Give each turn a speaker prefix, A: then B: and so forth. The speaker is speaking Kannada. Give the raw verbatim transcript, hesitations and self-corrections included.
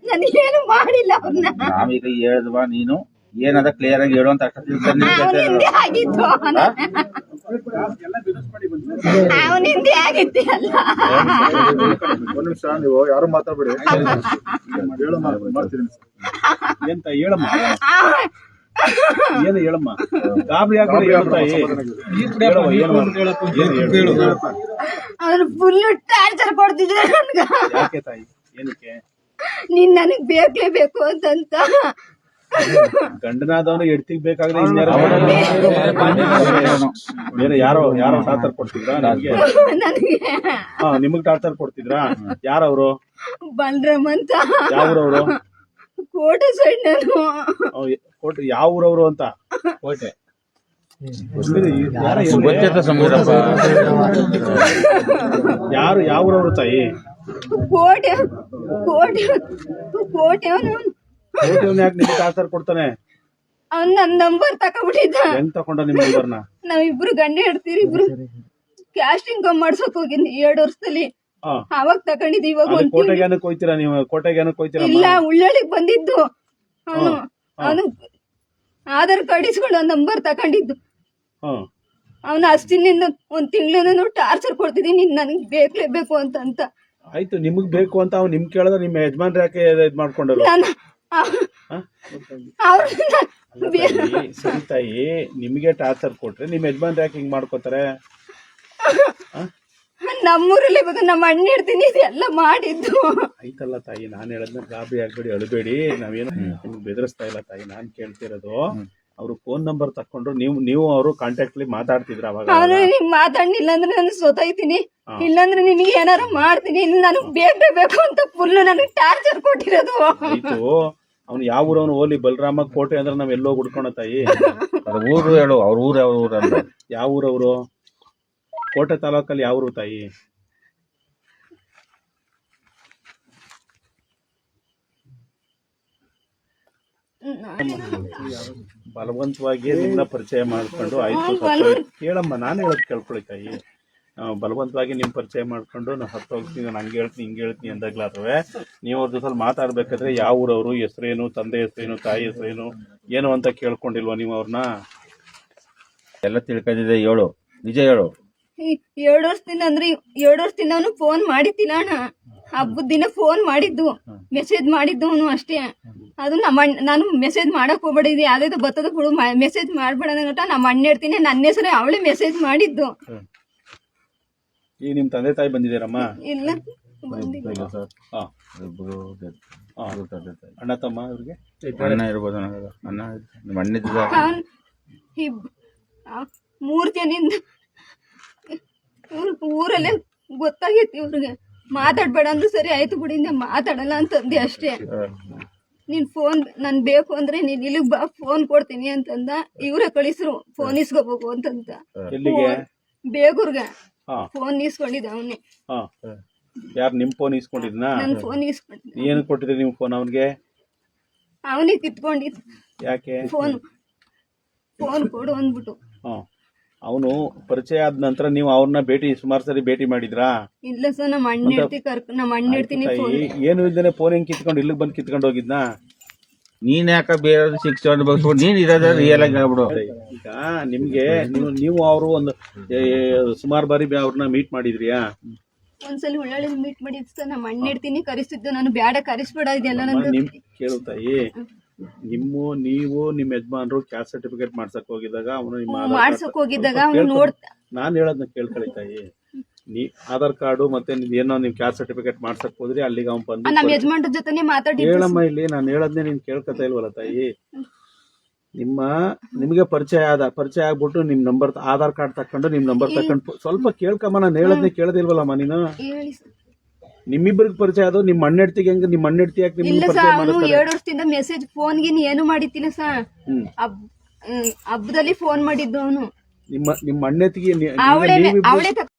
A: ನಾನು ಏನು ಮಾಡಿಲ್ಲ ಅವ್ರನ್ನ.
B: ನಾವೀಗ ಹೇಳಿದ್ವಾ ನೀನು ಏನದ ಕ್ಲಿಯರ್ ಆಗಿ ಹೇಳುವಂತ
A: ಅವನಿಂದೆ ಆಗಿತ್ತು ಅವನಿಂದೆ ಆಗಿತ್ತು ಅಲ್ಲ.
C: ಒಂದ್ ನಿಮಿಷ ನೀವು ಯಾರು ಮಾತಾಡ್ಬೇಡಿ.
D: ಎಂತ ಹೇಳಮ್ಮ ಏನು ಹೇಳಮ್ಮ ಗಾಬರಿ ಆಗ್ಬೇಡಿ ತಾಯಿ.
A: ಅವ್ರು ಫುಲ್ ಟಾರ್ಚರ್ ಕೊಡ್ತಿದ್ರು ನನ್ಗ.
D: ಯಾಕೆ ತಾಯಿ ಏನಕ್ಕೆ?
A: ನೀನ್ ನನಗ್ ಬೇಕೇಬೇಕು ಅಂತಂತ.
D: ಗಂಡನಾದವನು ಎಡ್ತಿಗ್ ಬೇಕಾದ್ರೆ ಇನ್ಯಾರು ಬೇರೆ ಯಾರೋ ಯಾರೋ ಟಾರ್ಚರ್ ಕೊಡ್ತಿದ್ರಾ ನನಗೆ?
A: ನನಗೆ
D: ಹಾ ನಿಮಗ್ ಟಾರ್ಚರ್ ಕೊಡ್ತಿದ್ರಾ? ಯಾರವ್ರು?
A: ಬಲರಾಮ್ ಅಂತ.
D: ಯಾವ್ರವ್ರು?
A: ಕೋಟೆ ಸೈಡ್ ನಾನು.
D: ಕೋಟೆ ಯಾವ ಊರವ್ರು ಅಂತ? ಕೋಟೆ ಯಾರು ಯಾವ ಊರವ್ರು ತಾಯಿ?
A: ಕೋಟೆ ಕೋಟೆ ಕೋಟೆ ಅವನು
D: ಕೋಟೆಯವ್ನು ಯಾಕೆ ನಿಮ್ಗೆ ಟಾರ್ಚರ್ ಕೊಡ್ತಾನೆ?
A: ಅವ್ನ್ ನನ್ ನಂಬರ್ ತಕೊಂಡ್ಬಿಟ್ಟಿದ್ದ.
D: ಹೆಂಗ್ ತಕೊಂಡ ನಿಮ್ ನಂಬರ್ನ?
A: ನಾವಿಬ್ರು ಗಂಡ ಹೇಳ್ತೀರಿ ಇಬ್ರು ಕ್ಯಾಸ್ಟಿಂಗ್ ಮಾಡ್ಸಕ್ ಹೋಗಿದ್ನಿ ಎರಡ್ ವರ್ಷದಲ್ಲಿ. ಅವಾಗ ತಕೊಂಡಿದ್ ಇವಾಗ ಒಂದ್
D: ಕೋಟೆಗೆ ಏನಕ್ಕೆ ಹೋಯ್ತೀರಾ ನೀವು? ಕೋಟೆಗೆ ಏನಕ್ಕೆ ಹೋಯ್ತೀರಾ?
A: ಇಲ್ಲ ಉಳ್ಳಳಿಗ್ ಬಂದಿದ್ದು ಅವನು. ಅವನು ಆಧಾರ್ ಕಾರ್ಡ್ ಇಸ್ಕೊಂಡು ಒಂದ್ ನಂಬರ್ ತಕೊಂಡಿದ್ದು. ಅವನು ಅಷ್ಟಿನಿಂದ ಒಂದ್ ತಿಂಗಳಿಂದ ಟಾರ್ಚರ್ ಕೊಡ್ತಿದ್ದೀನಿ ನೀನ್ ನನಗ್ ಬೇಕೇಬೇಕು ಅಂತ ಅಂತ.
D: ಆಯ್ತು ನಿಮಗ್ ಬೇಕು ಅಂತ ಅವ್ನು ನಿಮ್ ಕೇಳಿದ್ರೆ ನಿಮ್ಮ ಯಜಮಾನ್ರ ಯಾಕೆ ಇದ್ ಮಾಡ್ಕೊಂಡರು? ಸರಿ ತಾಯಿ, ನಿಮ್ಗೆ ಟಾರ್ಚರ್ ಕೊಟ್ರೆ ನಿಮ್ ಯಜಮಾನ್ರ ಯಾಕೆ ಹಿಂಗ್ ಮಾಡ್ಕೋತಾರೆ?
A: ನಮ್ಮೂರಲ್ಲಿ ಇವಾಗ ನಮ್ಮ ಅಣ್ಣ ಇರ್ತೀನಿ ಇದೆಲ್ಲ ಮಾಡಿದ್ದು.
D: ಆಯ್ತಲ್ಲ ತಾಯಿ, ನಾನ್ ಹೇಳದ್ನ ಗಾಬರಿ ಆಗ್ಬೇಡಿ, ಅಳಬೇಡಿ. ನಾವೇನು ನಿಮ್ಗೆ ಬೆದರಿಸ್ತಾ ಇಲ್ಲ ತಾಯಿ. ನಾನ್ ಕೇಳ್ತಿರೋದು ಅವ್ರು ಫೋನ್ ನಂಬರ್ ತಕೊಂಡ್ರು, ನೀವು ನೀವು ಅವರು ಕಾಂಟ್ಯಾಕ್ಟ್ ಅಲ್ಲಿ ಮಾತಾಡ್ತಿದ್ರ? ಅವಾಗ
A: ಅವನು ನೀವ್ ಮಾತಾಡ್ಲಿಲ್ಲ ಅಂದ್ರೆ ನಾನು ಸೋತೈತೀನಿ, ಇಲ್ಲಾಂದ್ರೆ ನಿನಗೆ ಏನಾರು ಮಾಡ್ತೀನಿ, ನನಗ್ ಬೇಕು ಅಂತ ಫುಲ್ ನನಗೆ ಟಾರ್ಚರ್ ಕೊಟ್ಟಿರೋದು.
D: ಆಯ್ತು, ಅವ್ನು ಯಾವ ಊರವನು? ಓಲಿ ಬಲರಾಮ ಕೋಟೆ ಅಂದ್ರೆ ನಾವ್ ಎಲ್ಲೋ ಹುಡ್ಕೋಣ ತಾಯಿ.
B: ಊರು ಹೇಳು, ಅವ್ರ ಊರ್ ಯಾವ ಊರ?
D: ಯಾವ ಊರವ್ರು? ಕೋಟೆ ತಾಲೂಕಲ್ಲಿ ಯಾವ ಊರು ತಾಯಿ? ಬಲವಂತವಾಗಿ ನಿಮ್ನ ಪರಿಚಯ ಮಾಡ್ಕೊಂಡು ಆಯ್ತು ಕೇಳಮ್ಮ, ನಾನು ಹೇಳೋದ್ ಕೇಳ್ಕೊಳ್ಳಿ ತಾಯಿ. ಬಲವಂತವಾಗಿ ನಿಮ್ ಪರಿಚಯ ಮಾಡ್ಕೊಂಡು ನಾವು ಹತ್ತು ಹೋಗ್ತೀನಿ, ನಾನು ಹಂಗೆ ಹೇಳ್ತೀನಿ ಹಿಂಗೆ ಹೇಳ್ತೀನಿ ಅಂದಾಗ್ಲಾದ್ರೂ ನೀವು ಅವ್ರ ಜೊತೆ ಮಾತಾಡ್ಬೇಕಾದ್ರೆ ಯಾವ ಊರವರು, ಹೆಸರೇನು, ತಂದೆ ಹೆಸರೇನು, ತಾಯಿ ಹೆಸರೇನು ಏನು ಅಂತ ಕೇಳ್ಕೊಂಡಿಲ್ವಾ ನೀವು ಅವ್ರನ್ನ?
B: ಎಲ್ಲ ತಿಳ್ಕೊಂಡಿದೆ, ಹೇಳು, ನಿಜ ಹೇಳು.
A: ಎರಡು ವರ್ಷದಿಂದ ಅಂದ್ರೆ ಎರಡು ವರ್ಷದಿಂದ ಅವನು ಫೋನ್ ಮಾಡಿದ್ದಿಲ್ಲ ಅಣ್ಣ. ಹಬ್ಬದ ದಿನ ಫೋನ್ ಮಾಡಿದ್ದು, ಮೆಸೇಜ್ ಮಾಡಿದ್ದು ಅವನು ಅಷ್ಟೇ. ಅದು ನಮ್ಮ ನಾನು ಮೆಸೇಜ್ ಮಾಡಕ್ ಹೋಗ್ಬೇಡಿದ್ವಿ, ಯಾವ್ದು ಬರ್ತದ ಬಿಡು, ಮೆಸೇಜ್ ಮಾಡ್ಬೇಡ ನೋಟ ನಮ್ಮ ಅಣ್ಣ ಇರ್ತೀನಿ, ನನ್ನ ಹೆಸರು ಅವಳೇ ಮೆಸೇಜ್ ಮಾಡಿದ್ದು.
D: ಈಗ ನಿಮ್ ತಂದೆ ತಾಯಿ ಬಂದಿದ್ದೀರಮ್ಮ?
A: ಇಲ್ಲ,
D: ಅಣ್ಣ ತಮ್ಮ ಅವ್ರಿಗೆ
B: ಅಣ್ಣ ಇರ್ಬೋದು, ಅಣ್ಣ ನಿಮ್ಮ ಅಣ್ಣ
A: ಮೂರ್ ಜನಿಂದ ಊರಲ್ಲೇ ಗೊತ್ತಾಗೈತಿ ಇವ್ರಿಗೆ. ಮಾತಾಡ್ಬೇಡ ಅಂದ್ರೆ ಸರಿ ಆಯ್ತು ಬಿಡಿಂದ ಮಾತಾಡಲ್ಲ ಅಂತಂದೆ ಅಷ್ಟೇ. ನೀನ್ ಫೋನ್ ನನ್ ಬೇಕು ಅಂದ್ರೆ ನೀನ್ ಇಲ್ಲಿಗ್ ಬಾ, ಫೋನ್ ಕೊಡ್ತೀನಿ ಅಂತಂದ. ಇವ್ರೆ ಕಳಿಸ್ರು ಫೋನ್ ಇಸ್ಕೋಬೇಕು ಅಂತಂತ. ಬೇಗೂರ್ಗ ಫೋನ್ ಇಸ್ಕೊಂಡಿದ್ದ ಅವನೇ.
D: ಯಾರು ನಿಮ್ ಫೋನ್ ಇಸ್ಕೊಂಡಿದ್ನ?
A: ನನ್ ಫೋನ್ ಇಸ್ಕೊಂಡಿದ್ದ.
D: ಏನು ಕೊಟ್ಟಿದ್ರಿ ನೀವು ಫೋನ್ ಅವನ್ಗೆ?
A: ಅವನೇ ಕಿತ್ಕೊಂಡಿದ್.
D: ಯಾಕೆ?
A: ಫೋನ್ ಫೋನ್ ಕೊಡು ಅಂದ್ಬಿಟ್ಟು.
D: ಅವನು ಪರಿಚಯ ಆದ ನಂತರ ನೀವು ಅವ್ರನ್ನ ಭೇಟಿ ಸುಮಾರು ಸರಿ ಭೇಟಿ ಮಾಡಿದ್ರಾ?
A: ಇಲ್ಲ ಸರ್, ನಮ್ಮ ಅಣ್ಣ ಇರ್ತಿ ಕರ್ಕ ನಮ್ಮ ಅಣ್ಣ ಇರ್ತೀನಿ.
D: ಏನು ಇಲ್ದೇನೆ ಫೋನ್ ಹೆಂಗ್ ಕಿತ್ಕೊಂಡು ಇಲ್ಲಿಗೆ ಬಂದು ಕಿತ್ಕೊಂಡು ಹೋಗಿದ್ನ?
B: ನೀನ್ ಯಾಕ ಬೇರೆ ಶಿಕ್ಷಣ ಬಗ್ಸ್ಬಿಟ್ಟು ನೀನ್ ಇರೋದ ರಿಯಲ್ ಆಗಿ ಹೇಳ್ಬಿಡು.
D: ಈಗ ನಿಮ್ಗೆ ನೀವು ನೀವು ಅವರು ಒಂದು ಸುಮಾರು ಬಾರಿ ಅವ್ರನ್ನ ಮೀಟ್ ಮಾಡಿದ್ರಿಯಾ?
A: ಒಂದ್ಸಲಿ ಉಳ್ಳಾಳಿ ಮೀಟ್ ಮಾಡಿದ್ ಸರ್. ನಮ್ಮ ಅಣ್ಣ ಇರ್ತೀನಿ ಕರಿಸ್ತಿದ್ದು, ನಾನು ಬ್ಯಾಡ ಕರಿಸ್ಬೇಡ ಇದೆಲ್ಲ ನನ್ಗೆ
D: ಕೇಳುತ್ತಾಯಿ. ನಿಮ್ಮ ನೀವು ನಿಮ್ ಯಜಮಾನ್ರು ಕ್ಯಾಸ್ಟ್ ಸರ್ಟಿಫಿಕೇಟ್ ಮಾಡ್ಸಕ್ ಹೋಗಿದ್ದಾಗ ಅವನು ನಿಮ್ಮ
A: ಮಾಡ್ಸಕ್ ಹೋಗಿದ್ದಾಗ ಅವ್ನು ನೋಡ್ತಾ,
D: ನಾನ್ ಹೇಳದ್ನ ಕೇಳ್ಕೊಳಿತಾಯಿ. ನೀ ಆಧಾರ್ ಕಾರ್ಡು ಮತ್ತೆ ಏನೋ ನಿಮ್ ಕ್ಯಾಸ್ಟ್ ಸರ್ಟಿಫಿಕೇಟ್ ಮಾಡ್ಸಕ್ ಹೋದ್ರಿ, ಅಲ್ಲಿಗೆ ಅವ್ನು ಬಂದು
A: ನಮ್ಮ ಯಜಮಾನ್ರ ಜೊತೆ ಮಾತಾಡಿ
D: ಹೇಳಮ್ಮ. ಇಲ್ಲಿ ನಾನು ಹೇಳದ್ನೇ ನೀನ್ ಕೇಳ್ಕೊತಾ ಇಲ್ವಲ್ಲ ತಾಯಿ. ನಿಮ್ಮ ನಿಮ್ಗೆ ಪರಿಚಯ ಆದ ಪರಿಚಯ ಆಗ್ಬಿಟ್ಟು ನಿಮ್ ನಂಬರ್ ಆಧಾರ್ ಕಾರ್ಡ್ ತಕೊಂಡು ನಿಮ್ ನಂಬರ್ ತಕೊಂಡು ಸ್ವಲ್ಪ ಕೇಳ್ಕಮ್ಮ. ನಾನು ಹೇಳದ್ನೇ ಕೇಳದಿಲ್ವಲ್ಲಮ್ಮ ನೀನು? ನಿಮ್ಮಿಬ್ಬರಿಗೆ ಪರಿಚಯ ಅದು ನಿಮ್ಮ ಅಣ್ಣೆಡ್ತಿಗೆ ಹೆಂಗ? ನಿಮ್ಮ ಅಣ್ಣೆಡ್ತಿ ಯಾಕೆ ನಿಮ್ಗೆ ಪರಿಚಯ ಮಾಡಿಸ್ತಾರೆ?
A: ಎರಡು ವರ್ಷದಿಂದ ಮೆಸೇಜ್ ಫೋನ್ಗೆ ಏನು ಮಾಡಿತ್ತಿಲ್ಲ ಸರ್. ಹಬ್ಬದಲ್ಲಿ ಫೋನ್ ಮಾಡಿದ್ದು ಅವನು.
D: ನಿಮ್ಮ ನಿಮ್ಮ ಅಣ್ಣೆತ್ತಿಗೆ
A: ಅವಳೇ